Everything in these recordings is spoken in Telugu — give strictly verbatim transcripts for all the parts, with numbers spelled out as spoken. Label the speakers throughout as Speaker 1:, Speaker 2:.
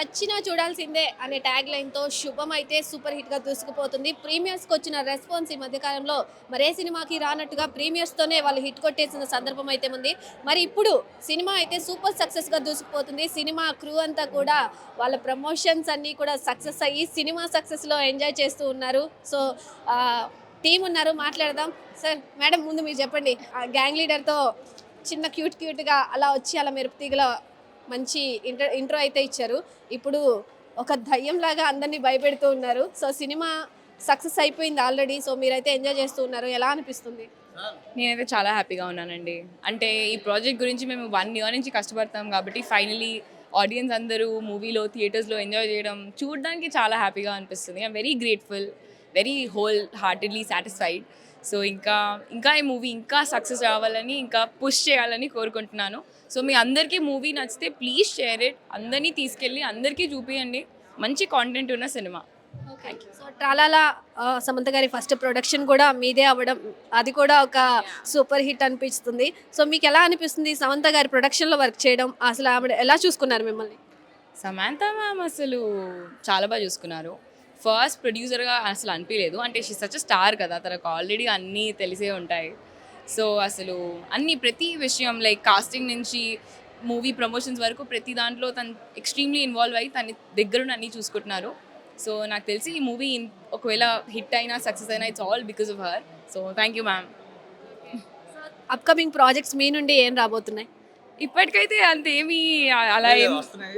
Speaker 1: చచ్చినా చూడాల్సిందే అనే ట్యాగ్ లైన్తో శుభం అయితే సూపర్ హిట్గా దూసుకుపోతుంది. ప్రీమియర్స్కి వచ్చిన రెస్పాన్స్ ఈ మధ్యకాలంలో మరే సినిమాకి రానట్టుగా ప్రీమియర్స్తోనే వాళ్ళు హిట్ కొట్టేసిన సందర్భం అయితే ఉంది. మరి ఇప్పుడు సినిమా అయితే సూపర్ సక్సెస్గా దూసుకుపోతుంది. సినిమా క్రూ అంతా కూడా వాళ్ళ ప్రమోషన్స్ అన్నీ కూడా సక్సెస్ అయ్యి సినిమా సక్సెస్లో ఎంజాయ్ చేస్తూ ఉన్నారు. సో టీం ఉన్నారు, మాట్లాడదాం. సార్, మేడం, ముందు మీరు చెప్పండి. గ్యాంగ్ లీడర్తో చిన్న క్యూట్ క్యూట్గా అలా వచ్చి అలా మెరుపు తీగల మంచి ఇంట్రో ఇంట్రో అయితే ఇచ్చారు. ఇప్పుడు ఒక దయ్యంలాగా అందరినీ భయపెడుతూ ఉన్నారు. సో సినిమా సక్సెస్ అయిపోయింది ఆల్రెడీ. సో మీరైతే ఎంజాయ్ చేస్తూ ఉన్నారు, ఎలా అనిపిస్తుంది?
Speaker 2: నేనైతే చాలా హ్యాపీగా ఉన్నానండి. అంటే ఈ ప్రాజెక్ట్ గురించి మేము వన్ ఇయర్ నుంచి కష్టపడతాం కాబట్టి ఫైనలీ ఆడియన్స్ అందరూ మూవీలో థియేటర్స్లో ఎంజాయ్ చేయడం చూడడానికి చాలా హ్యాపీగా అనిపిస్తుంది. I'm very grateful, very wholeheartedly satisfied. So ఇంకా ఇంకా ఈ మూవీ ఇంకా సక్సెస్ రావాలని, ఇంకా పుష్ చేయాలని కోరుకుంటున్నాను. సో మీ అందరికీ మూవీ నచ్చితే ప్లీజ్ షేర్ ఇట్, అందరినీ తీసుకెళ్ళి అందరికీ చూపించండి. మంచి కాంటెంట్ ఉన్న సినిమా.
Speaker 1: సో ట్రాలాలా సమంత గారి ఫస్ట్ ప్రొడక్షన్ కూడా మీదే అవ్వడం, అది కూడా ఒక సూపర్ హిట్ అనిపిస్తుంది. సో మీకు ఎలా అనిపిస్తుంది సమంత గారి ప్రొడక్షన్లో వర్క్ చేయడం? అసలు ఆవిడ ఎలా చూసుకున్నారు మిమ్మల్ని?
Speaker 2: సమాంతా మ్యామ్ అసలు చాలా బాగా చూసుకున్నారు. ఫస్ట్ ప్రొడ్యూసర్గా అసలు అనిపించలేదు. అంటే షీ సచ్ స్టార్ కదా, తనకు ఆల్రెడీ అన్నీ తెలిసే ఉంటాయి. సో అసలు అన్ని ప్రతి విషయం లైక్ కాస్టింగ్ నుంచి మూవీ ప్రమోషన్స్ వరకు ప్రతి దాంట్లో తను ఎక్స్ట్రీమ్లీ ఇన్వాల్వ్ అయ్యి తన దగ్గరుండి అన్నీ చూసుకుంటున్నారు. సో నాకు తెలిసి ఈ మూవీ ఒకవేళ హిట్ అయినా సక్సెస్ అయినా it's all because of her. So thank you ma'am.
Speaker 1: Upcoming projects మీ నుండి ఏం రాబోతున్నాయి?
Speaker 2: ఇప్పటికైతే అంతేమీ అలా ఏం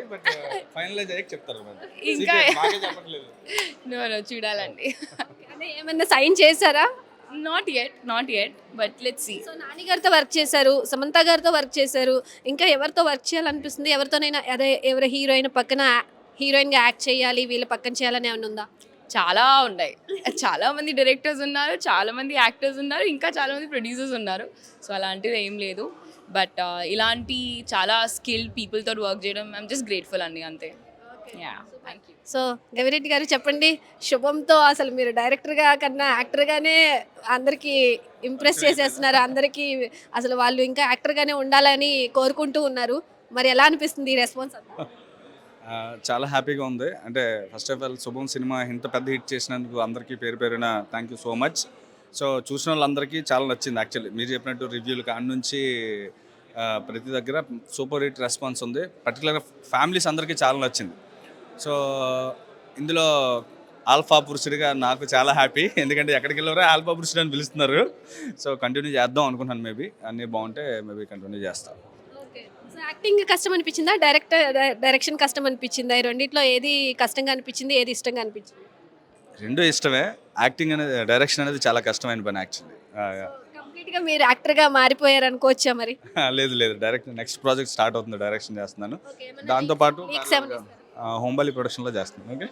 Speaker 2: ఇంకా నో నో చూడాలండి.
Speaker 1: అంటే ఏమన్నా సైన్ చేశారా?
Speaker 2: Not yet not yet but let's see.
Speaker 1: So Nani గారితో వర్క్ చేశారు, సమంత గారితో వర్క్ చేశారు, ఇంకా ఎవరితో వర్క్ చేయాలనిపిస్తుంది? ఎవరితోనైనా అదే ఎవరి హీరోయిన్ పక్కన హీరోయిన్గా యాక్ట్ చేయాలి, వీళ్ళ పక్కన చేయాలని ఏమైనా ఉందా?
Speaker 2: చాలా ఉన్నాయి. చాలా మంది డైరెక్టర్స్ ఉన్నారు, చాలా మంది యాక్టర్స్ ఉన్నారు, ఇంకా చాలా మంది ప్రొడ్యూసర్స్ ఉన్నారు. సో అలాంటిది ఏం లేదు. బట్ ఇలాంటి చాలా స్కిల్డ్ పీపుల్తో వర్క్ చేయడం ఐఎమ్ జస్ట్ గ్రేట్ఫుల్ అండి, అంతే. Yeah, thank you.
Speaker 1: So Gavireddy garu చెప్పండి, శుభంతో అసలు మీరు డైరెక్టర్గా కన్నా యాక్టర్గానే అందరికీ ఇంప్రెస్ చేసేస్తున్నారు. అందరికీ అసలు వాళ్ళు ఇంకా యాక్టర్గానే ఉండాలని కోరుకుంటూ ఉన్నారు. మరి ఎలా అనిపిస్తుంది ఈ రెస్పాన్స్?
Speaker 3: చాలా హ్యాపీగా ఉంది. అంటే first of all Shubham cinema ఇంత పెద్ద హిట్ చేసినందుకు అందరికీ పేరు పేరున thank you so much. So చూసిన వాళ్ళందరికీ చాలా నచ్చింది. యాక్చువల్లీ మీరు చెప్పినట్టు రివ్యూలు కాడి నుంచి ప్రతి దగ్గర సూపర్ హిట్ రెస్పాన్స్ ఉంది. పర్టికులర్గా ఫ్యామిలీస్ అందరికీ చాలా నచ్చింది. సో ఇందులో ఆల్ఫా పురుషుడిగా నాకు చాలా హ్యాపీ, ఎందుకంటే ఎక్కడికి వెళ్ళారో ఆల్ఫా పురుషుడు అని పిలుస్తున్నారు. సో కంటిన్యూ చేద్దాం అనుకుంటున్నాను. మేబీ అన్నీ బాగుంటే మేబీ కంటిన్యూ చేస్తాను.
Speaker 1: సో యాక్టింగ్ కష్టం అనిపించిందా, డైరెక్టర్ డైరెక్షన్ కష్టం అనిపించిందా? ఈ రెండిట్లో ఏది కష్టంగా అనిపించింది, ఏది ఇష్టంగా అనిపించింది?
Speaker 3: రెండు ఇష్టమే. యాక్టింగ్ అనేది, డైరెక్షన్ అనేది చాలా కష్టమైన పని యాక్చువల్లీ.
Speaker 1: కంప్లీట్గా మీరు యాక్టర్గా మారిపోయారు అనుకోవచ్చా మరి?
Speaker 3: లేదు లేదు, డైరెక్ట్ నెక్స్ట్ ప్రాజెక్ట్ స్టార్ట్ అవుతుంది, డైరెక్షన్ చేస్తున్నాను. దాంతోపాటు హోంబలి ప్రొడక్షన్లో చేస్తున్నాను. ఓకే,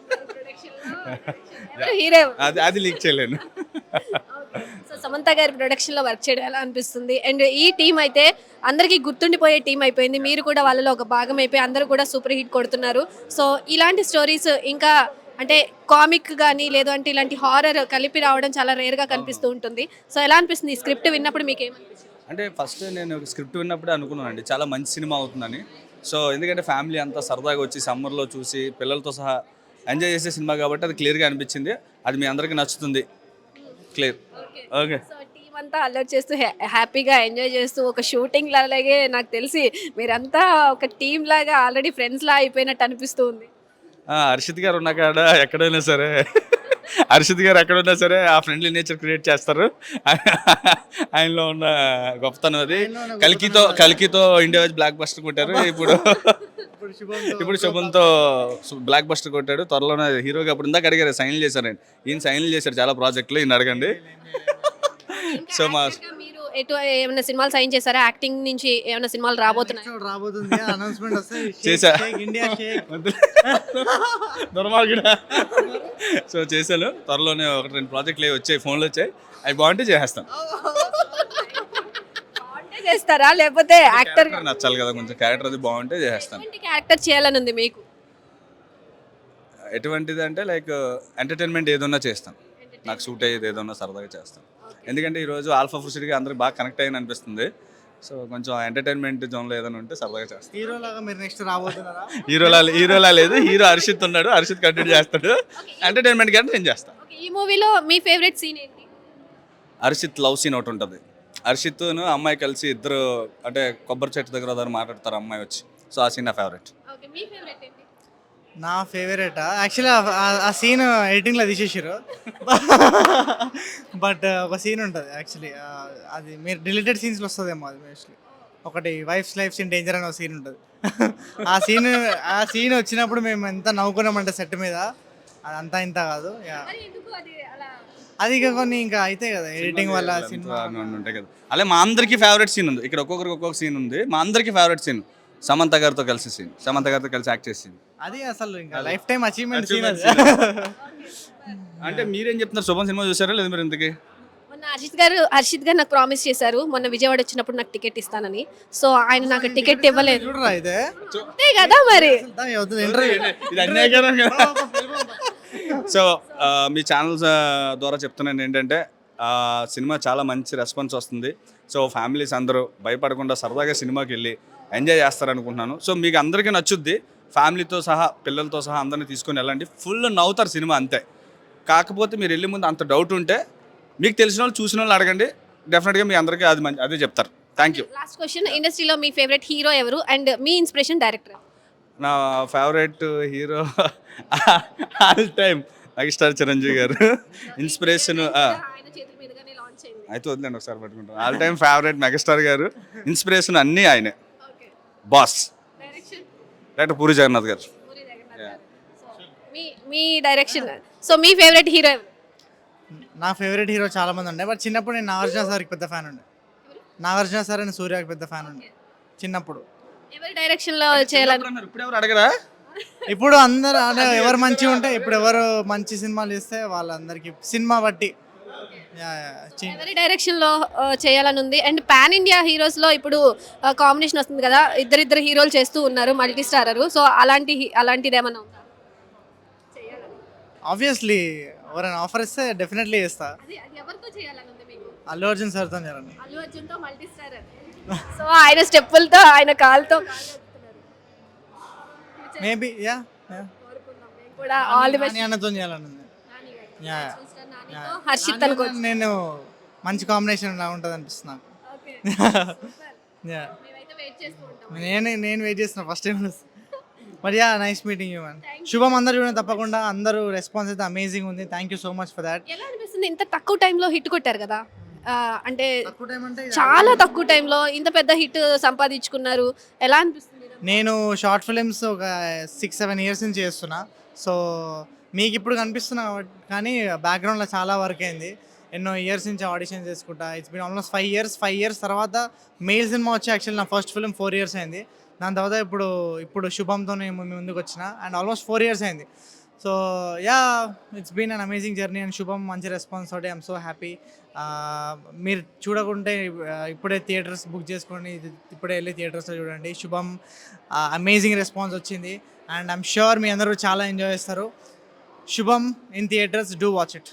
Speaker 1: హీరో
Speaker 3: అది అది లీక్ చేయలేను.
Speaker 1: సో సమంత గారి ప్రొడక్షన్లో వర్క్ చేయడం ఎలా అనిపిస్తుంది? అండ్ ఈ టీం అయితే అందరికీ గుర్తుండిపోయే టీం అయిపోయింది. మీరు కూడా వాళ్ళలో ఒక భాగం అయిపోయి అందరూ కూడా సూపర్ హిట్ కొడుతున్నారు. సో ఇలాంటి స్టోరీస్ ఇంకా అంటే కామిక్ కానీ లేదు అంటే ఇలాంటి హారర్ కలిపి రావడం చాలా రేర్గా కనిపిస్తూ ఉంటుంది. సో ఎలా అనిపిస్తుంది స్క్రిప్ట్ విన్నప్పుడు మీకు ఏమనిపిస్తుంది?
Speaker 3: అంటే ఫస్ట్ నేను స్క్రిప్ట్ విన్నప్పుడే అనుకున్నానండి చాలా మంచి సినిమా అవుతుందని. సో ఎందుకంటే ఫ్యామిలీ అంతా సరదాగా వచ్చి సమ్మర్లో చూసి పిల్లలతో సహా ఎంజాయ్ చేసే సినిమా కాబట్టి అది క్లియర్గా అనిపించింది. అది మీ అందరికీ నచ్చుతుంది. క్లియర్. ఓకే.
Speaker 1: సో టీం అంతా అల్లరి చేస్తూ హ్యాపీగా ఎంజాయ్ చేస్తూ ఒక షూటింగ్ లాగే నాకు తెలిసి మీరంతా ఒక టీం లాగా ఆల్రెడీ ఫ్రెండ్స్ లా అయిపోయినట్టు అనిపిస్తూ ఉంది.
Speaker 3: హర్షిత్ గారు ఉన్న కాడ ఎక్కడైనా సరే హర్షిత్ గారు ఎక్కడున్నా సరే ఆ ఫ్రెండ్లీ నేచర్ క్రియేట్ చేస్తారు. ఆయనలో ఉన్న గొప్పతనం అది. కల్కితో కల్కితో ఇండియా బ్లాక్ బస్టర్ కొట్టారు. ఇప్పుడు ఇప్పుడు శుభంతో బ్లాక్ బస్టర్ కొట్టాడు. త్వరలోనే హీరోగా అప్పుడు ఇందాక అడిగారు, సైన్లు చేశారండి. ఈయన సైన్లు చేశారు చాలా ప్రాజెక్టులు, ఈయన అడగండి. సో మా
Speaker 1: ఎటు ఏమైనా సినిమాలు సైన్ చేశారా? యాక్టింగ్ నుంచి ఏమైనా సినిమాలు రాబోతున్నాయి?
Speaker 3: చేశా దొరమార్గుడా. సో చేశాను. త్వరలోనే ఒకటి రెండు ప్రాజెక్టులు వచ్చాయి, ఫోన్లు వచ్చాయి. అవి బాగుంటే చేసేస్తాను.
Speaker 1: చేస్తారా లేకపోతే యాక్టర్
Speaker 3: నచ్చాలి కదా, కొంచెం క్యారెక్టర్ అది బాగుంటే చేసేస్తాను.
Speaker 1: క్యారెక్టర్ చేయాలని ఉంది మీకు?
Speaker 3: ఎటువంటిది అంటే లైక్ ఎంటర్టైన్మెంట్ ఏదన్నా చేస్తాను, నాకు సూట్ అయ్యేది ఏదన్నా సరదాగా చేస్తాను. ఎందుకంటే ఈరోజు ఆల్ఫా పురుషుడిగా అందరికి బాగా కనెక్ట్ అయ్యని అనిపిస్తుంది. సో కొంచెం ఎంటర్టైన్మెంట్ జోన్లో ఏదైనా ఉంటే సరదాగా చేస్తాను.
Speaker 4: హీరో లాగా మీరు నెక్స్ట్ రాబోతున్నారా?
Speaker 3: హీరోలా హీరోలా లేదు, హీరో హర్షిత్ ఉన్నాడు, హర్షిత్ కంటిన్యూ చేస్తాడు. ఎంటర్టైన్మెంట్ కంటే నేను చేస్తాను.
Speaker 1: ఓకే, ఈ మూవీలో మీ ఫేవరెట్ సీన్ ఏంటి?
Speaker 3: హర్షిత్ లవ్ సీన్ ఒకటి ఉంటుంది. హర్షిత్ను అమ్మాయి కలిసి ఇద్దరు అంటే కొబ్బరి చెట్టు దగ్గర దగ్గర మాట్లాడతారు అమ్మాయి వచ్చి. సో ఆ సీన్ నా ఫేవరెట్.
Speaker 1: ఓకే, మీ ఫేవరెట్ ఏంటి?
Speaker 4: నా ఫేవరెట్ యాక్చువల్లీ ఆ సీన్ ఎడిటింగ్లో తీసేసారు. బట్ ఒక సీన్ ఉంటుంది యాక్చువల్లీ, అది మీరు డిలీటెడ్ సీన్స్లో వస్తుందేమో అది మోస్ట్లీ. ఒకటి వైఫ్స్ లైఫ్స్ ఇన్ డేంజర్ అనే ఒక సీన్ ఉంటుంది. ఆ సీన్ ఆ సీన్ వచ్చినప్పుడు మేము ఎంత నవ్వుకున్నామంటే సెట్ మీద, అది అంతా ఇంత కాదు. Yeah.
Speaker 1: మరి ఎందుకు అది అలా?
Speaker 4: అది ఇక కొన్ని ఇంకా అయితే కదా ఎడిటింగ్ వల్ల సినిమా.
Speaker 3: ఉంటాయి కదా. అలా మా అందరికీ ఫేవరెట్ సీన్ ఉంది. ఇక్కడ ఒక్కొక్కరికి ఒక్కొక్క సీన్ ఉంది. మా అందరికీ ఫేవరెట్ సీన్ సమంత గారితో కలిసి సీన్, సమంత గారితో కలిసి యాక్ట్ చేసింది.
Speaker 4: అది అసలు ఇంకా లైఫ్ టైం అచీవ్మెంట్ సీన్ అది.
Speaker 3: అంటే మీరేం చెప్తున్నారు? శుభం సినిమా చూసారా లేదు మీరు ఇంతకీ?
Speaker 1: మొన్న హర్షిత్ గారు హర్షిత్ గారు నాకు ప్రామిస్ చేశారు మొన్న విజయవాడ వచ్చినప్పుడు నాకు టికెట్ ఇస్తానని. సో ఆయన నాకు టికెట్ ఇవ్వలేదు.
Speaker 4: చూడరా అయితే
Speaker 1: అంతే కదా మరి.
Speaker 4: ఇంటర్వ్యూ
Speaker 3: ఇది అన్యాయకరం కదా. సో మీ ఛానల్స్ ద్వారా చెప్తున్నాను ఏంటంటే ఆ, సినిమా చాలా మంచి రెస్పాన్స్ వస్తుంది. సో ఫ్యామిలీస్ అందరూ భయపడకుండా సరదాగా సినిమాకి వెళ్ళి ఎంజాయ్ చేస్తారనుకుంటున్నాను. సో మీకు అందరికీ నచ్చుద్ది. ఫ్యామిలీతో సహా పిల్లలతో సహా అందరినీ తీసుకొని వెళ్ళండి. ఫుల్ నవ్వుతారు సినిమా అంతే. కాకపోతే మీరు వెళ్ళే ముందు అంత డౌట్ ఉంటే మీకు తెలిసిన వాళ్ళు చూసిన వాళ్ళు అడగండి. డెఫినెట్గా మీ అందరికీ అది మంచి అదే చెప్తారు. Thank you.
Speaker 1: లాస్ట్ క్వశ్చన్, ఇండస్ట్రీలో మీ ఫేవరెట్ హీరో ఎవరు అండ్ మీ ఇన్స్పిరేషన్ డైరెక్టర్?
Speaker 3: నా favourite hero all time megastar Chiranjeevi garu. Inspiration
Speaker 1: ఆయన చేతుల మీదుగానే లాంచ్ అయింది.
Speaker 3: అయితే వదిలేండి ఒకసారి పట్టుకుంటాను. All time favourite megastar garu. Inspiration అన్నీ ఆయనే.
Speaker 1: Okay,
Speaker 3: boss
Speaker 1: direction
Speaker 3: director Puri Jagannadh garu.
Speaker 1: Puri Jagannadh garu. So మీ మీ డైరెక్షన్. సో మీ ఫేవరెట్ హీరో ఎవరు?
Speaker 4: నా ఫేవరెట్ హీరో చాలా మంది ఉండే, బట్ చిన్నప్పుడు నేను నాగార్జున సార్కి పెద్ద ఫ్యాన్ ఉండే. నాగార్జున సార్ అండ్ సూర్యకి పెద్ద ఫ్యాన్ ఉండే చిన్నప్పుడు.
Speaker 1: ఎవరి డైరెక్షన్ లో చేయాలని?
Speaker 3: ఇప్పుడు ఎవరు అడగరా?
Speaker 4: ఇప్పుడు అందరు అంటే ఎవరు మంచిగా ఉంటే, ఇప్పుడు ఎవరు మంచి సినిమాలు చేస్తే వాళ్ళందరికీ సినిమా బట్టి యా, యా, చి-
Speaker 1: ఎవరి డైరెక్షన్ లో ఆ, చేయాలని ఉంది. అండ్ పాన్ ఇండియా హీరోస్ లో ఇప్పుడు కాంబినేషన్ వస్తుంది కదా, ఇద్దరిద్దరు హీరోలు చేస్తూ ఉన్నారు, మల్టీ స్టారర్. సో అలాంటి అలాంటిది ఏమన్నా ఉందా చేయాలని?
Speaker 4: ఆబ్వియస్లీ ఎవరైనా ఆఫర్ ఇస్తే డెఫినెట్లీ చేస్తా.
Speaker 1: అది అది ఎవరితో చేయాలని ఉంది మీకు?
Speaker 4: అల్లు అర్జున్ సార్తో చేయాలని.
Speaker 1: అల్లు అర్జున్ తో మల్టీ స్టారర్. సో ఆయన స్టెప్పులతో ఆయన కాల్తో
Speaker 4: మేబీ యా
Speaker 1: కోరుకుందాం మేము కూడా. All the best.
Speaker 4: అన్నతో చేయాలని ఉంది. Yeah, yeah.
Speaker 1: నానితో హర్షిత్ అనుకోవచ్చు.
Speaker 4: నేను మంచి కాంబినేషన్ ఇలా ఉంటుంది అనిపిస్తుంది నాకు.
Speaker 1: ఓకే,
Speaker 4: యా,
Speaker 1: మేమైతే వెయిట్ చేస్తూ ఉంటాం.
Speaker 4: నేను నేను వెయిట్ చేస్తున్నా ఫస్ట్ టైం. మరి yeah, nice meeting you man. Subham అందరూ చూడండి తప్పకుండా. అందరూ రెస్పాన్స్ అయితే అమేజింగ్ ఉంది. Thank you so much for that.
Speaker 1: ఎలా అనిపిస్తుంది ఇంత తక్కువ టైంలో హిట్ కొట్టారు కదా? ఆ, అంటే
Speaker 4: తక్కువ టైం అంటే
Speaker 1: చాలా తక్కువ టైంలో ఇంత పెద్ద హిట్ సంపాదించుకున్నారు. ఎలా అనిపిస్తుంది?
Speaker 4: నేను షార్ట్ ఫిలిమ్స్ ఒక సిక్స్ సెవెన్ ఇయర్స్ నుంచి చేస్తున్నా. సో మీకు ఇప్పుడు కనిపిస్తున్నా కాబట్టి, కానీ బ్యాక్గ్రౌండ్లో చాలా వర్క్ అయింది. ఎన్నో ఇయర్స్ నుంచి ఆడిషన్ చేసుకుంటా. It's been almost five years five years తర్వాత మెయిల్ సినిమా వచ్చి యాక్చువల్లీ నా ఫస్ట్ ఫిలిం ఫోర్ ఇయర్స్ అయింది. దాని తర్వాత ఇప్పుడు ఇప్పుడు శుభంతో నేను మీ ముందుకు వచ్చిన అండ్ ఆల్మోస్ట్ ఫోర్ ఇయర్స్ అయింది. So yeah, it's been an amazing journey and Subham మంచి రెస్పాన్స్ తోటి ఐఎమ్ సో హ్యాపీ. మీరు చూడకుంటే ఇప్పుడే థియేటర్స్ బుక్ చేసుకోండి, ఇది ఇప్పుడే వెళ్ళి థియేటర్స్లో చూడండి. శుభం అమేజింగ్ రెస్పాన్స్ వచ్చింది అండ్ ఐఎమ్ ష్యూర్ మీ అందరూ చాలా ఎంజాయ్ చేస్తారు. Subham in theatres, do watch it.